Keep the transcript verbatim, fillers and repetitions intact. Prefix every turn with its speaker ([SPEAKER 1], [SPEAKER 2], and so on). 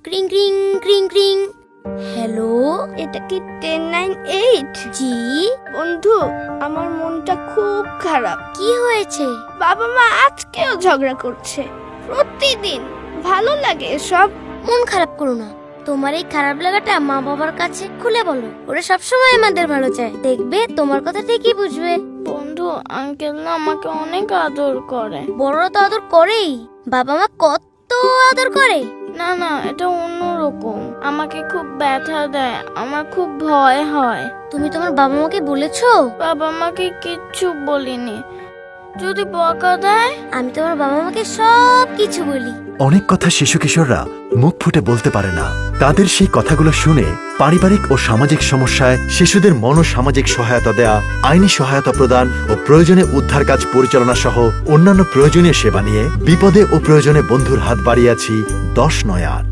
[SPEAKER 1] ক্রিং ক্রিং ক্রিং ক্রিং। হ্যালো,
[SPEAKER 2] এটা কি টেন নাইন এইট?
[SPEAKER 1] জি।
[SPEAKER 2] বন্ধু, আমার মনটা খুব খারাপ।
[SPEAKER 1] কি হয়েছে?
[SPEAKER 2] বাবা মা আজকেও ঝগড়া করছে প্রতিদিন। ভালো লাগে এসব।
[SPEAKER 1] মন খারাপ করো না। তোমার এই খারাপ লাগাটা মা বাবার কাছে খুলে বলো। ওরা সবসময় আমাদের ভালো চায়, দেখবে তোমার কথা ঠিকই বুঝবে।
[SPEAKER 2] বন্ধু, আঙ্কেল না আমাকে অনেক আদর করে।
[SPEAKER 1] বড়রা তো আদর করেই, বাবা মা কত আদর করে।
[SPEAKER 2] না না, এটা অন্যরকম। আমাকে খুব ব্যথা দেয়, আমার খুব ভয় হয়।
[SPEAKER 1] তুমি তোমার বাবা মাকে বলেছো?
[SPEAKER 2] বাবা মাকে কিচ্ছু বলিনি। যদি বকা দেয়?
[SPEAKER 1] আমি তোমার বাবা মাকে সব কিছু বলি।
[SPEAKER 3] অনেক কথা শিশু কিশোররা মুখ ফুটে বলতে পারে না। তাদের সেই কথাগুলো শুনে পারিবারিক ও সামাজিক সমস্যায় শিশুদের মনোসামাজিক সহায়তা দেয়া, আইনি সহায়তা প্রদান ও প্রয়োজনে উদ্ধার কাজ পরিচালনা সহ অন্যান্য প্রয়োজনীয় সেবা নিয়ে বিপদে ও প্রয়োজনে বন্ধুর হাত বাড়িয়েছি দশ নয় আট।